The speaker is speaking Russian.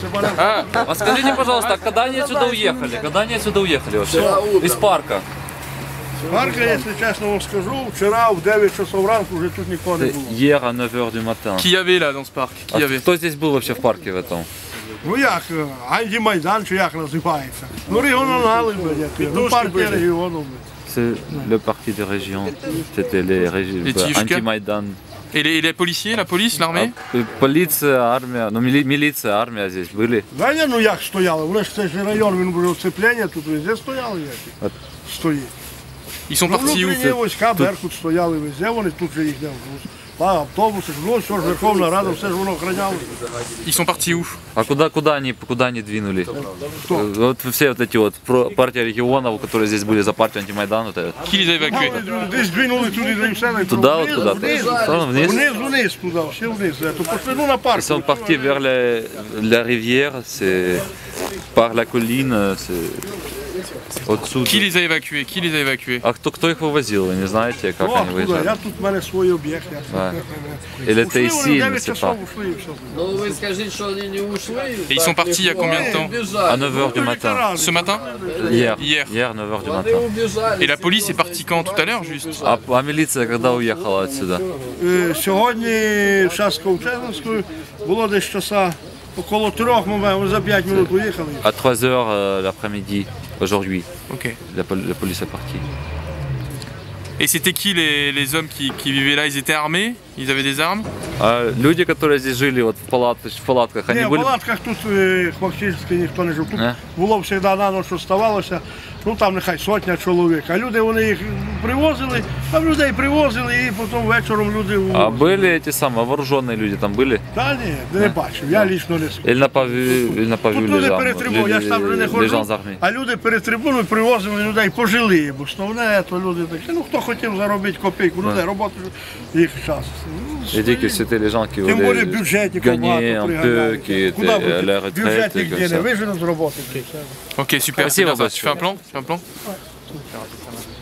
А скажите, пожалуйста, когда они отсюда уехали? Когда они отсюда уехали вообще? Из парка. Парка, якщо чесно вам скажу, вчора в 9 часов ранку вже тут нікого не було. Hier à 9h du matin. Qui y avait là dans ce parc? Qui y avait? Кто здесь был вообще в парке в этом? Ну як, Антимайдан, чи як називається? Ну регіонали, ну партія регіону. C'est le parti de région. C'était les anti-Майдан. Et les policiers, la police, l'armée? Полиция, армия, ну милиция, армия здесь были. Да ні, ну як стояли? Вони ж цей же район, він був оцеплення, тут везде стояли як. Стоїть. Ils sont Ну, partis où? внутрішні війська, Беркут стояли везде, вони тут же їх не автобуси, ну все ж Верховна Рада, все ж воно охраняло. Ils sont partis où? А куда они двинули? Кто? Вот все вот эти вот партия регионов, которые здесь были за партию антимайдан, вот это. Qui les a évacués? Десь двинули туди, де все. Туда вот куда-то. Вниз. Вниз туди, все вниз. То пошли, ну на парк. Ils sont partis vers la rivière, c'est par la colline, c'est au-dessous. Qui les a évacués? Qui les a évacués? А кто их вывозил, вы не знаете, как они выезжали? Я тут в мене свій об'єкт. Или это ici, il ne sait pas. Ну вы скажите, что они не ушли. Et ils sont partis il y a combien de temps? À 9h du matin. Ce matin? Hier. Hier. Hier, 9h du Они matin. убежали. Et la police est partie quand? Tout à l'heure juste? А милиция когда уехала отсюда? Сьогодні час Ковчезновською було десь часа около 3, ми за 5 минут уїхали. À 3h l'après-midi, aujourd'hui, Ok. la police est partie. Et c'était qui les hommes qui vivaient là? Ils étaient armés? Ils avaient des armes? А люди, которые здесь жили вот в палатках, они Ні, в были... палатках тут фактично ніхто не жив. Тут Не? було завжди на ніч оставалося, ну там нехай сотня чоловік. А люди вони їх привозили, там людей привозили і потім вечором люди... А были эти самые вооруженные люди там были? Та ні, не бачив, я лічно не скажу. Или на павю Тут люди les перед трибуною, я ж там вже не gens ходжу, armés? а люди перед трибуною привозили людей пожилі, бо основне, то люди такі, ну хто хотів заробити копійку, людей, роботи їх час. J'ai dit que c'était les gens qui Тим більше voulaient бюджетників gagner багато un peu, приганяють. qui Куди étaient à будуть? la retraite et Бюджетник comme де не ça. виженуть з роботи. Ok, super. Спасибо C'est bien ça. Tu большое. fais un plan? Tu fais un plan?